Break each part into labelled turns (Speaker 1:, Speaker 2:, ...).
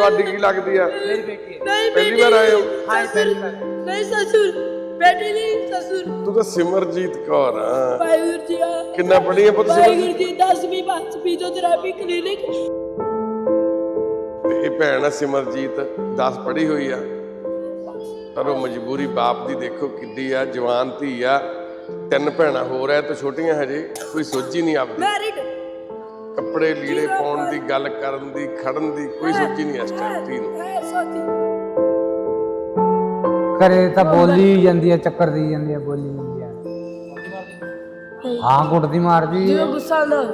Speaker 1: ਤੁਹਾਡੀ ਕੀ ਲੱਗਦੀ ਆ?
Speaker 2: मेरी बेटी है।
Speaker 3: नहीं
Speaker 1: ਪਹਿਲੀ
Speaker 3: बेटी
Speaker 1: ਵਾਰ ਆਏ ਹੋ?
Speaker 2: हाँ पहली बार है।
Speaker 3: नहीं ससुर बेटी नहीं ससुर
Speaker 1: ਤੂੰ ਤਾਂ ਸਿਮਰਜੀਤ ਕੌਰ ਆ।
Speaker 3: वाहिगुरु जी
Speaker 1: ਕਿੰਨਾ ਪੜ੍ਹੀ ਆ ਪੁੱਤ
Speaker 3: वाहिगुरु
Speaker 1: ਸਿਮਰਜੀਤ?
Speaker 3: जी 10वीं पास फिजियोथेरेपी क्लिनिक
Speaker 1: ਤੇ ਇਹ ਭੈਣ ਆ ਸਿਮਰਜੀਤ 10 ਪੜ੍ਹੀ ਹੋਈ ਆ, ਪਰ ਉਹ ਮਜਬੂਰੀ ਬਾਪ ਦੀ ਦੇਖੋ ਕਿੱਡੀ ਆ। ਜਵਾਨ ਧੀ ਆ, 3 ਭੈਣਾਂ ਹੋਰ ਐ ਤੇ ਛੋਟੀਆਂ ਹਜੇ, ਕੋਈ ਸੋਝੀ ਨਹੀਂ ਆਪਦੀ।
Speaker 3: मैरिड
Speaker 1: ਕੱਪੜੇ ਲੀੜੇ ਪਾਉਣ ਦੀ, ਗੱਲ ਕਰਨ ਦੀ, ਖੜਨ ਦੀ ਕੋਈ ਸੋਝੀ ਨਹੀਂ ਇਸ ਟਾਈਮ ਧੀ ਨੂੰ।
Speaker 3: है सोती
Speaker 2: करे ਤਾਂ ਬੋਲੀ ਜਾਂਦੀ ਹੈ, ਚੱਕਰ ਦੀ ਜਾਂਦੀ ਹੈ, ਬੋਲੀ ਜਾਂਦੀ ਹੈ। ਹਾਂ ਕੁੱਟਦੀ ਮਾਰਦੀ
Speaker 3: जो गुस्सा ना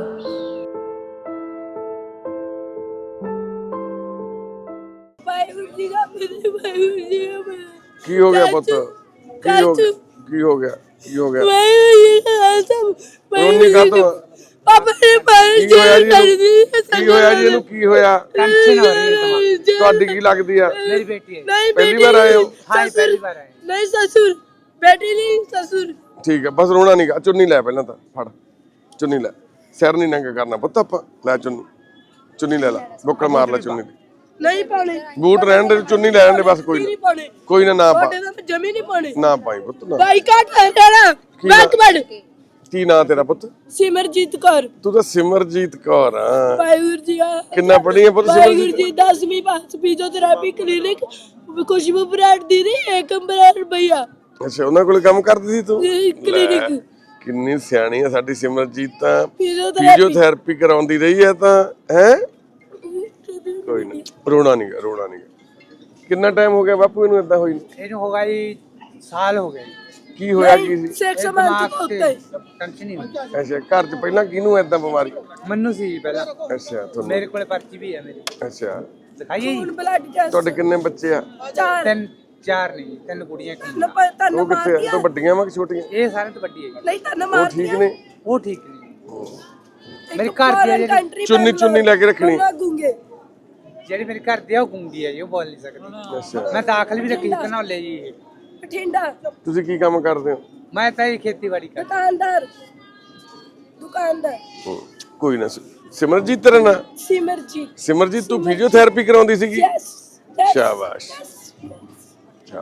Speaker 3: वाहिगुरु जी का मेरे वाहिगुरु जी का मेरे
Speaker 1: ਕੀ ਹੋ ਗਿਆ ਪੁੱਤ? ਕੀ ਹੋ ਗਿਆ? ਕੀ ਹੋ ਗਿਆ? ਕੀ ਹੋ ਗਿਆ?
Speaker 3: वाहिगुरु जी का सब
Speaker 1: ਰੋਣੀ ਕਾਤੋਂ?
Speaker 3: पापा ने मार
Speaker 1: ਕੀ ਹੋਇਆ ਜੀ
Speaker 3: कर
Speaker 1: ਇਹਨੂੰ?
Speaker 3: दी
Speaker 1: ਕੀ ਹੋਇਆ ਜੀ ਇਹਨੂੰ? ਕੀ ਹੋਇਆ?
Speaker 2: टेंशन हो रही है तुम्हारी।
Speaker 1: ਤੁਹਾਡੀ ਕੀ ਲੱਗਦੀ ਆ?
Speaker 2: मेरी बेटी है।
Speaker 3: नहीं
Speaker 1: ਪਹਿਲੀ ਵਾਰ ਆਏ ਹੋ?
Speaker 2: हाँ पहली बार है।
Speaker 3: नहीं ससुर बेटी नहीं ससुर
Speaker 1: ਠੀਕ ਹੈ, ਬਸ ਰੋਣਾ ਨਹੀਂ ਗਾ। ਚੁੰਨੀ ਲੈ ਪਹਿਲਾਂ ਤਾਂ, ਫੜ ਚੁੰਨੀ ਲੈ। ਸਿਰ ਨਹੀਂ ਨੰਗਾ ਕਰਨਾ ਪੁੱਤ ਆਪਾਂ। ਲੈ ਚੁੰਨੀ, ਚੁੰਨੀ ਲੈ ਲੈ, ਬੁੱਕੜ ਮਾਰ ਲੈ ਚੁੰਨੀ ਦੀ।
Speaker 3: नहीं पाने
Speaker 1: ਬੂਟ ਰਹਿਣ ਦੇ, ਚੁੰਨੀ ਲੈ ਲੈਣ ਦੇ ਬਸ। ਕੋਈ
Speaker 3: नहीं
Speaker 1: ਨਾ,
Speaker 3: पाने
Speaker 1: ਕੋਈ ਨਾ, ਨਾ ਪਾ,
Speaker 3: छोटे तो जमी नहीं पाने
Speaker 1: ਨਾ ਪਾਈ ਪੁੱਤ ਨਾ।
Speaker 3: भाई काट हटाना
Speaker 1: की
Speaker 3: बैक
Speaker 1: बात?
Speaker 3: बढ़
Speaker 1: ਕੀ ਨਾਂ ਤੇਰਾ ਪੁੱਤ?
Speaker 3: सिमरजीत कौर
Speaker 1: ਤੂੰ ਤਾਂ सिमरजीत कौर ਆ।
Speaker 3: वाहिगुरु जी का
Speaker 1: ਕਿੰਨਾ ਪੜ੍ਹੀ ਆ ਪੁੱਤ
Speaker 3: वाहिगुरु
Speaker 1: सिमरजीत?
Speaker 3: जी 10वीं pass physiotherapy clinic Khushboo brand दीदी एक ब्रांड भैया
Speaker 1: ਅੱਛਾ, ਉਹਨਾਂ ਕੋਲ ਕੰਮ ਕਰਦੀ ਸੀ ਤੂੰ?
Speaker 3: क्लिनिक
Speaker 1: ਕਿੰਨੀ ਸਿਆਣੀ ਆ ਸਾਡੀ ਸਿਮਰਜੀਤ ਤਾਂ।
Speaker 3: फिजियोथेरेपी
Speaker 1: ਫਿਜ਼ੀਓਥੈਰੇਪੀ ਕਰਾਉਂਦੀ ਰਹੀ ਹੈ ਤਾਂ ਹੈ। ਕੋਈ ਨਾ, ਰੋਣਾ ਨਹੀਂ ਗਾ, ਰੋਣਾ ਨਹੀਂ ਗਾ। ਕਿੰਨਾ ਟਾਈਮ ਹੋ ਗਿਆ ਬਾਪੂ ਇਹਨੂੰ ਏਦਾਂ ਹੋਈ ਨੂੰ?
Speaker 2: ਇਹਨੂੰ ਹੋਗਾ ਜੀ ਸਾਲ ਹੋ ਗਏ।
Speaker 1: ਕੀ ਹੋਇਆ ਕੀ ਸੀ?
Speaker 3: सेक्स मंथ होते हैं
Speaker 2: ਟੈਨਸ਼ਨ ਨਹੀਂ ਹੁੰਦੀ।
Speaker 1: ਅੱਛਾ, ਘਰ 'ਚ ਪਹਿਲਾਂ ਕਿਹਨੂੰ ਏਦਾਂ ਬਿਮਾਰੀ?
Speaker 2: ਮੈਨੂੰ ਸੀ ਪਹਿਲਾਂ।
Speaker 1: ਅੱਛਾ ਤੁਹਾਨੂੰ।
Speaker 2: ਮੇਰੇ ਕੋਲੇ ਪਰਚੀ ਵੀ ਹੈ ਮੇਰੀ।
Speaker 1: ਅੱਛਾ,
Speaker 2: ਦਿਖਾਈਏ ਜੀ।
Speaker 3: खून ब्लड टेस्ट
Speaker 1: ਤੁਹਾਡੇ ਕਿੰਨੇ ਬੱਚੇ ਆ?
Speaker 3: 4
Speaker 2: ਤਿੰਨ ਚਾਰ ਨਹੀਂ, ਤਿੰਨ ਕੁੜੀਆਂ ਇੱਕ ਮੁੰਡਾ।
Speaker 3: न पता न
Speaker 1: ਉਹ ਕਿੱਥੇ ਆ? ਉਹ ਵੱਡੀਆਂ ਵਾ ਕਿ ਛੋਟੀਆਂ?
Speaker 2: ਇਹ ਸਾਰਿਆਂ ਤੋਂ ਵੱਡੀ ਹੈ ਜੀ।
Speaker 3: नहीं तन
Speaker 1: ਉਹ
Speaker 3: मार
Speaker 1: ਠੀਕ ਨੇ?
Speaker 2: ਉਹ ਠੀਕ ਨਹੀਂ। ਮੇਰੇ ਘਰ ਦੀ ਆ ਜਿਹੜੀ
Speaker 1: ਚੁੰਨੀ ਚੁੰਨੀ ਲੈ ਕੇ ਰੱਖਣੀ।
Speaker 3: गूंगे
Speaker 2: ਜਿਹੜੀ ਮੇਰੇ ਘਰ ਦੀ ਆ ਉਹ ਗੂੰਗੀ ਹੈ ਜੀ, ਉਹ ਬੋਲ ਨਹੀਂ ਸਕਦੀ।
Speaker 1: ਅੱਛਾ,
Speaker 2: ਮੈਂ ਦਾਖਲ ਵੀ ਰੱਖੀ ਧਨੌਲੇ ਜੀ ਇਹ।
Speaker 3: बठिंडा
Speaker 1: ਤੁਸੀਂ ਕੀ ਕੰਮ ਕਰਦੇ ਹੋ?
Speaker 2: ਮੈਂ ਤਾਂ ਇਹ ਖੇਤੀਬਾੜੀ ਕਰਦਾ।
Speaker 3: दुकानदार दुकानदार
Speaker 1: ਕੋਈ ਨਾ। ਸਿਮਰਜੀਤ ਤੇਰਾ ਨਾਂ?
Speaker 3: सिमरजीत
Speaker 1: ਸਿਮਰਜੀਤ ਤੂੰ ਫਿਜ਼ੀਓਥੈਰੇਪੀ ਕਰਾਉਂਦੀ ਸੀਗੀ?
Speaker 3: यस
Speaker 1: ਸ਼ਾਬਾਸ਼। ਅੱਛਾ,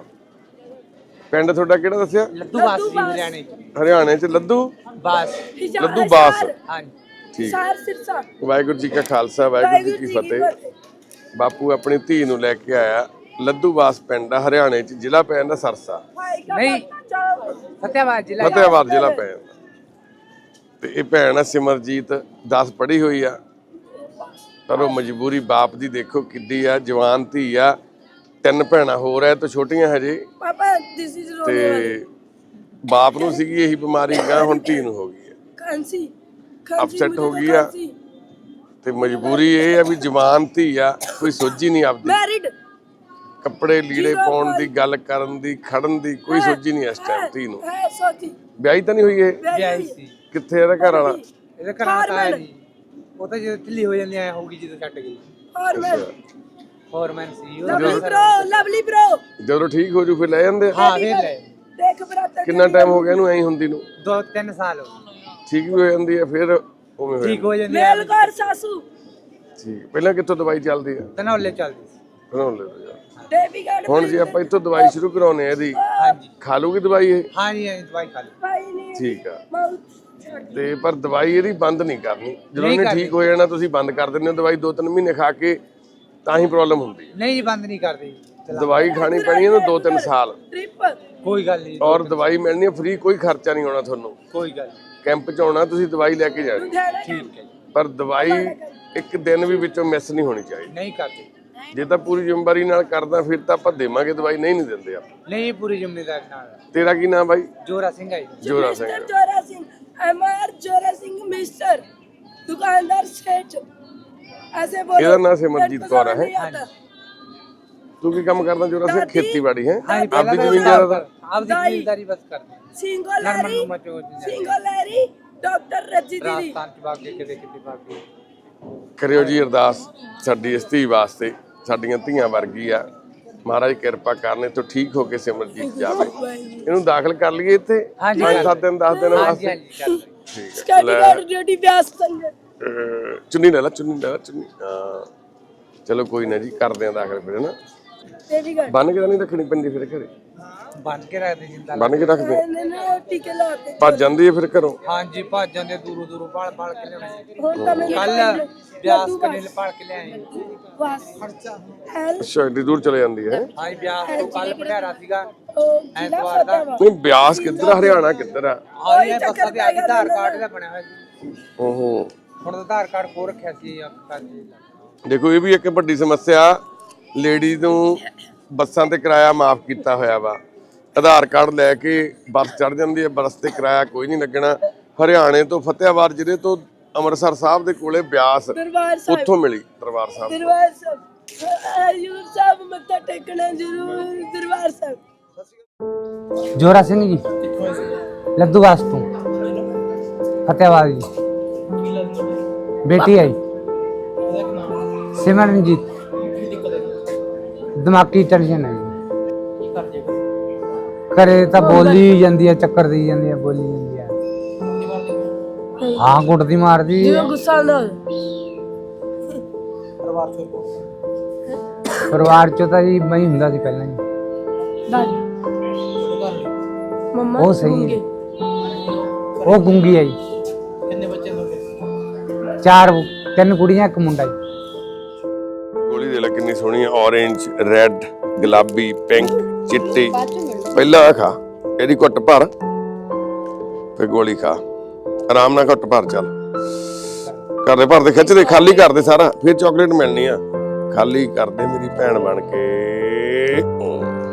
Speaker 1: ਪਿੰਡ ਤੁਹਾਡਾ ਕਿਹੜਾ ਦੱਸਿਆ?
Speaker 2: ਲੱਦੂ ਬਾਸ ਜੀ ਹਰਿਆਣੇ ਚ।
Speaker 1: ਹਰਿਆਣੇ 'ਚ ਲੱਦੂ
Speaker 2: ਬਾਸ।
Speaker 1: ਲੱਦੂ ਬਾਸ।
Speaker 2: ਹਾਂਜੀ
Speaker 1: ਠੀਕ।
Speaker 3: सार सिरसा
Speaker 1: ਵਾਹਿਗੁਰੂ ਜੀ ਕਾ ਖਾਲਸਾ, ਵਾਹਿਗੁਰੂ ਜੀ ਕੀ ਫਤਿਹ। ਬਾਪੂ ਆਪਣੀ ਧੀ ਨੂੰ ਲੈ ਕੇ ਆਇਆ ਲੱਦੂਵਾਸ ਪਿੰਡ ਆ ਹਰਿਆਣੇ 'ਚ, ਜ਼ਿਲ੍ਹਾ ਪੈ ਜਾਂਦਾ ਸਰਸਾ,
Speaker 2: ਨਹੀਂ ਫਤਿਆਬਾਦ ਜ਼ਿਲ੍ਹਾ।
Speaker 1: ਫਤਿਆਬਾਦ ਜ਼ਿਲ੍ਹਾ ਪੈ ਜਾਂਦਾ। ਤੇ ਇਹ ਭੈਣ ਆ ਸਿਮਰਜੀਤ 10 ਪੜ੍ਹੀ ਹੋਈ ਆ, ਪਰ ਉਹ ਮਜਬੂਰੀ ਬਾਪ ਦੀ ਦੇਖੋ ਕਿੱਡੀ ਆ। ਜਵਾਨ ਧੀ ਆ, 3 ਭੈਣਾਂ ਹੋਰ ਐ ਤੇ ਛੋਟੀਆਂ ਹਜੇ,
Speaker 3: पापा दिस इज रोने वाली
Speaker 1: ਤੇ ਬਾਪ ਨੂੰ ਸੀਗੀ ਇਹੀ ਬਿਮਾਰੀ, ਗਾਂ ਹੁਣ ਧੀ ਨੂੰ ਹੋ ਗਈ ਹੈ।
Speaker 3: खांसी
Speaker 1: ਅਪਸੈਟ ਹੋ ਗਈ ਆ ਤੇ ਮਜਬੂਰੀ ਇਹ ਆ ਵੀ ਜਵਾਨ ਧੀ ਆ, ਕੋਈ ਸੋਝੀ ਨਹੀਂ ਆਪਦੀ।
Speaker 3: मैरिड
Speaker 1: ਕੱਪੜੇ ਲੀੜੇ ਪਾਉਣ ਦੀ, ਗੱਲ ਕਰਨ ਦੀ, ਖੜਨ ਦੀ ਕੋਈ ਸੋਝੀ ਨਹੀਂ ਇਸ ਟਾਈਮ ਧੀ ਨੂੰ।
Speaker 3: है सोती
Speaker 1: ਵਿਆਹੀ ਤਾਂ ਨਹੀਂ ਹੋਈ ਇਹ?
Speaker 2: ਵਿਆਹੀ ਸੀ।
Speaker 1: ਕਿੱਥੇ ਇਹਦਾ ਘਰ ਵਾਲਾ?
Speaker 2: ਇਹਦੇ ਘਰ ਤਾਂ ਹੈ ਨਹੀਂ, ਉਹ ਤਾਂ ਜਦੋਂ ਢਿੱਲੀ ਹੋ ਜਾਂਦੀ ਐ ਹੋਊਗੀ ਜਦੋਂ ਛੱਡ ਗਈ।
Speaker 3: और मैं
Speaker 2: ਫੋਰਮੈਨ ਸੀ ਉਹ।
Speaker 3: लवली ब्रो
Speaker 1: ਜਦੋਂ ਠੀਕ ਹੋ ਜੂ ਫਿਰ ਲੈ ਜਾਂਦੇ ਆ।
Speaker 2: ਹਾਂ ਵੇਖ ਲੈ।
Speaker 3: देख बरातर
Speaker 1: ਕਿੰਨਾ ਟਾਈਮ ਹੋ ਗਿਆ ਇਹਨੂੰ ਐਂ ਹੁੰਦੀ ਨੂੰ?
Speaker 2: 2-3 ਸਾਲ ਹੋ ਗਏ।
Speaker 1: ਠੀਕ ਵੀ ਹੋ ਜਾਂਦੀ ਹੈ ਫਿਰ ਉਵੇਂ ਹੋ
Speaker 2: ਠੀਕ
Speaker 1: ਜਾਂਦੀ
Speaker 2: ਹੋ ਜਾਂਦੀ ਐ।
Speaker 3: मेल कर सासू
Speaker 1: ਠੀਕ। ਪਹਿਲਾਂ ਕਿੱਥੋਂ ਦਵਾਈ ਚੱਲਦੀ ਆ?
Speaker 2: ਧਨੌਲੇ ਚੱਲਦੀ ਸੀ।
Speaker 1: ਬਣਾਉਣ ਲੈ ਲਓ।
Speaker 3: देवी गढ़
Speaker 1: ਹੁਣ ਜੇ ਆਪਾਂ ਇੱਥੋਂ ਦਵਾਈ ਸ਼ੁਰੂ ਕਰਾਉਨੇ ਆ ਇਹਦੀ,
Speaker 2: ਹਾਂਜੀ
Speaker 1: ਖਾ ਲੂਗੀ ਦਵਾਈ ਇਹ?
Speaker 2: ਹਾਂਜੀ ਦਵਾਈ ਖਾ ਲਈ।
Speaker 3: भाई नहीं
Speaker 1: ਠੀਕ ਆ।
Speaker 3: माउथ
Speaker 1: ਤੇ ਪਰ ਦਵਾਈ ਇਹਦੀ ਬੰਦ ਨਹੀਂ ਕਰਨੀ। ਜਦੋਂ
Speaker 2: ਨਹੀਂ
Speaker 1: ਇਹਨੇ
Speaker 2: ਕਰਨੀ।
Speaker 1: ਠੀਕ ਹੋ ਜਾਣਾ ਤੁਸੀਂ ਬੰਦ ਕਰ ਦਿੰਦੇ ਹੋ ਦਵਾਈ। 2-3 ਮਹੀਨੇ ਖਾ ਕੇ ਤਾਂ ਹੀ ਪ੍ਰੋਬਲਮ ਹੁੰਦੀ ਹੈ।
Speaker 2: ਨਹੀਂ ਜੀ ਬੰਦ ਨਹੀਂ ਕਰਦੇ।
Speaker 1: ਦਵਾਈ ਖਾਣੀ ਪੈਣੀ ਇਹਨੂੰ 2-3 ਸਾਲ,
Speaker 3: ट्रिप
Speaker 2: ਕੋਈ ਗੱਲ ਨਹੀਂ।
Speaker 1: ਔਰ ਦਵਾਈ ਮਿਲਣੀ ਹੈ ਫ੍ਰੀ, ਕੋਈ ਖਰਚਾ ਨਹੀਂ ਹੋਣਾ ਤੁਹਾਨੂੰ।
Speaker 2: ਕੋਈ ਗੱਲ
Speaker 1: ਕੈਂਪ 'ਚ ਆਉਣਾ ਤੁਸੀਂ, ਦਵਾਈ ਲੈ ਕੇ ਜਾਣੀ,
Speaker 2: ਠੀਕ ਹੈ ਜੀ।
Speaker 1: ਪਰ ਦਵਾਈ ਇੱਕ ਦਿਨ ਵੀ ਵਿੱਚੋਂ ਮਿਸ ਨਹੀਂ ਹੋਣੀ ਚਾਹੀਦੀ।
Speaker 2: ਨਹੀਂ ਕਰਦੇ।
Speaker 1: ਜੇ ਤਾਂ ਪੂਰੀ ਜ਼ਿੰਮੇਵਾਰੀ ਨਾਲ ਕਰਦਾ ਫਿਰ ਤਾਂ ਆਪਾਂ ਦੇਵਾਂਗੇ ਦਵਾਈ, ਨਹੀਂ ਦਿੰਦੇ ਆਪਾਂ।
Speaker 2: ਨਹੀਂ ਪੂਰੀ ਜ਼ਿੰਮੇਵਾਰੀ ਨਾਲ।
Speaker 1: ਤੇਰਾ ਕੀ ਨਾਮ ਬਾਈ?
Speaker 2: ਜੋਰਾ ਸਿੰਘ ਹੈ ਜੀ।
Speaker 1: ਜੋਰਾ ਸਿੰਘ।
Speaker 3: जोरा सिंह एमआर जोरा सिंह मिस्टर दुकानदार सेठ ऐसे बोलो
Speaker 1: ਇਹਦਾ ਨਾਮ ਸਿਮਰਜੀਤ ਕੌਰ ਹੈ।
Speaker 3: आता
Speaker 1: ਤੂੰ ਕੀ ਕੰਮ ਕਰਦਾ ਜੋਰਾ ਸਿੰਘ? ਖੇਤੀਬਾੜੀ ਹੈ?
Speaker 2: ਹਾਂਜੀ
Speaker 1: ਆਪਦੀ ਜ਼ਮੀਨ ਜ਼ਿਆਦਾ?
Speaker 2: ਆਪਦੀ ਜ਼ਿੰਮੇਵਾਰੀ ਬਸ ਕਰਦੇ।
Speaker 3: सिंगोलारी
Speaker 2: ਨਰਮਨ ਮਚੋ
Speaker 3: सिंगोलारी डॉक्टर रजी दीदी
Speaker 2: ਰਾਜਸਥਾਨ ਚ ਬਾਗ ਕੇ ਕਿਤੇ ਬਾਗ ਕੇ।
Speaker 1: ਕਰਿਓ ਜੀ ਅਰਦਾਸ ਸਾਡੀ ਇਸ ਧੀ ਵਾਸਤੇ, ਸਾਡੀਆਂ ਧੀਆਂ ਵਰਗੀ ਆ। ਮਹਾਰਾਜ ਕਿਰਪਾ ਕਰਨੇ ਤੋਂ ਠੀਕ ਹੋ ਕੇ ਸਿਮਰਜੀਤ ਜਾਵੇ। ਇਹਨੂੰ ਦਾਖਲ ਕਰ ਲਈਏ ਇੱਥੇ
Speaker 2: ਹਾਂਜੀ,
Speaker 1: 5-7 ਦਿਨ 10 ਦਿਨ
Speaker 2: ਹਾਂਜੀ
Speaker 1: ਵਾਸਤੇ।
Speaker 2: ਹਾਂਜੀ ਚੱਲ।
Speaker 1: ਠੀਕ ਹੈ।
Speaker 3: स्टडी गार्ड ड्यूटी व्यास संग
Speaker 1: ਚੁੰਨੀ ਲੈ ਲਾ, ਚੁੰਨੀ ਲੈ ਲਾ, ਚੁੰਨੀ। ਹਾਂ ਚਲੋ ਕੋਈ ਨਾ ਜੀ, ਕਰਦੇ ਆ ਦਾਖਲ ਫਿਰ ਨਾ।
Speaker 3: ਦੇਵੀ ਘਰ
Speaker 1: ਬੰਨ ਕੇ ਤਾਂ ਨਹੀਂ ਰੱਖਣੀ ਪੈਂਦੀ ਫਿਰ ਘਰੇ?
Speaker 2: ਬੰਨ ਕੇ ਰੱਖਦੇ ਜਿੰਦਾ।
Speaker 1: ਬੰਨ ਕੇ ਰੱਖਦੇ?
Speaker 3: ਇਹਨੇ ਨਾ ਟੀਕੇ ਲਾਤੇ।
Speaker 1: ਭੱਜ ਜਾਂਦੀ ਹੈ ਫਿਰ ਘਰੋਂ?
Speaker 2: ਹਾਂਜੀ ਭੱਜ ਜਾਂਦੇ, ਦੂਰੋਂ ਦੂਰੋਂ ਭਾਲ ਭਾਲ ਕੇ ਲਿਆਉਣੇ।
Speaker 3: ਹੁਣ ਤਾਂ ਮੈਨੂੰ
Speaker 2: ਕੱਲ ਬਿਆਸ ਕਨੇ ਭਾਲ ਕੇ ਲਿਆਏ।
Speaker 3: ਬਸ ਹੈਲ
Speaker 1: ਅੱਛਾ, ਏਡੀ ਦੂਰ ਚਲੇ ਜਾਂਦੀ ਹੈ?
Speaker 2: ਹਾਂਜੀ ਬਿਆਸ ਤੋਂ ਕੱਲ ਭੰਡਾਰਾ ਸੀਗਾ
Speaker 3: ਉਹ ਜ਼ਿਲ੍ਹਾ
Speaker 2: ਐਤਵਾਰ ਦਾ।
Speaker 3: ਫਤਿਹਵਾਦ।
Speaker 1: ਨਹੀਂ, ਬਿਆਸ ਕਿੱਧਰ ਆ, ਹਰਿਆਣਾ ਕਿੱਧਰ ਆ?
Speaker 2: ਹਾਂਜੀ ਇਹ ਬੱਸਾਂ ਦੇ ਆਧਾਰ ਕਾਰਡ ਦਾ ਬਣਿਆ ਹੋਇਆ ਜੀ।
Speaker 1: ਓਹੋ,
Speaker 2: ਹੁਣ ਤਾਂ ਆਧਾਰ ਕਾਰਡ ਖੋ ਰੱਖਿਆ ਸੀ ਕੱਲ।
Speaker 1: ਦੇਖੋ ਇਹ ਵੀ ਇੱਕ ਵੱਡੀ ਸਮੱਸਿਆ, ਲੇਡੀ ਨੂੰ ਬੱਸਾਂ ਤੇ ਕਿਰਾਇਆ ਮਾਫ ਕੀਤਾ ਹੋਇਆ ਵਾ, ਆਧਾਰ ਕਾਰਡ ਲੈ ਕੇ ਬੱਸ ਚੜ ਜਾਂਦੀ ਹੈ, ਬੱਸ ਤੇ ਕਿਰਾਇਆ ਕੋਈ ਨਹੀਂ ਲੱਗਣਾ। ਹਰਿਆਣੇ ਤੋਂ ਫਤਿਆਬਾਦ ਜ਼ਿਲ੍ਹੇ ਤੋਂ ਅੰਮ੍ਰਿਤਸਰ ਸਾਹਿਬ ਦੇ ਕੋਲੇ ਬਿਆਸ,
Speaker 3: ਦਰਬਾਰ ਸਾਹਿਬ,
Speaker 1: ਉੱਥੋਂ ਮਿਲੀ ਦਰਬਾਰ ਸਾਹਿਬ।
Speaker 3: ਦਰਬਾਰ ਸਾਹਿਬ, ਹਜ਼ੂਰ ਸਾਹਿਬ ਮੱਥਾ ਟੇਕਣਾ ਜ਼ਰੂਰ। ਦਰਬਾਰ ਸਾਹਿਬ।
Speaker 2: ਜੋਰਾ ਸਿੰਘ ਜੀ ਲੱਦੂਵਾਸ ਤੋਂ ਫਤਿਆਬਾਦ ਜੀ। ਬੇਟੀ ਹੈ ਸਿਮਰਨਜੀਤ। ਦਿਮਾਗੀ ਟੈਨਸ਼ਨ ਹੈ ਜੀ। ਘਰੇ ਤਾਂ ਬੋਲੀ ਜਾਂਦੀ ਹੈ, ਚੱਕਰ ਦੀ ਜਾਂਦੀ ਹੈ, ਬੋਲੀ ਜਾਂਦੀ ਹੈ। ਹਾਂ ਕੁੱਟਦੀ ਮਾਰਦੀ।
Speaker 3: ਜਦੋਂ ਗੁੱਸਾ ਆਉਂਦਾ
Speaker 2: ਪਰਿਵਾਰ ਚੋਂ ਤਾਂ ਜੀ ਮੈਂ ਹੀ ਹੁੰਦਾ ਸੀ ਪਹਿਲਾਂ ਜੀ।
Speaker 3: ਦਾਦੀ ਮੰਮਾ
Speaker 2: ਉਹ ਸਹੀ ਹੈ। ਉਹ ਗੁੰਗੀ ਹੈ ਜੀ। ਕਿੰਨੇ ਬੱਚੇ ਲੋਗੇ? 4, 3 ਕੁੜੀਆਂ 1 ਮੁੰਡਾ ਜੀ।
Speaker 1: ਗੋਲੀ ਦੇ ਲੈ ਕਿੰਨੀ ਸੋਹਣੀ ਹੈ, ਔਰੇਂਜ, ਰੈੱਡ, ਗੁਲਾਬੀ, ਪਿੰਕ, ਚਿੱਟੀ। ਪਹਿਲਾਂ ਆਹ ਖਾ, ਇਹਦੀ ਘੁੱਟ ਭਰ, ਫਿਰ ਗੋਲੀ ਖਾ, ਆਰਾਮ ਨਾਲ ਘੁੱਟ ਭਰ। ਚੱਲ ਕਰਦੇ ਭਰਦੇ ਖਿੱਚਦੇ, ਖਾਲੀ ਕਰਦੇ ਸਾਰਾ, ਫਿਰ ਚਾਕਲੇਟ ਮਿਲਣੀ ਆ। ਖਾਲੀ ਕਰਦੇ ਮੇਰੀ ਭੈਣ ਬਣ ਕੇ।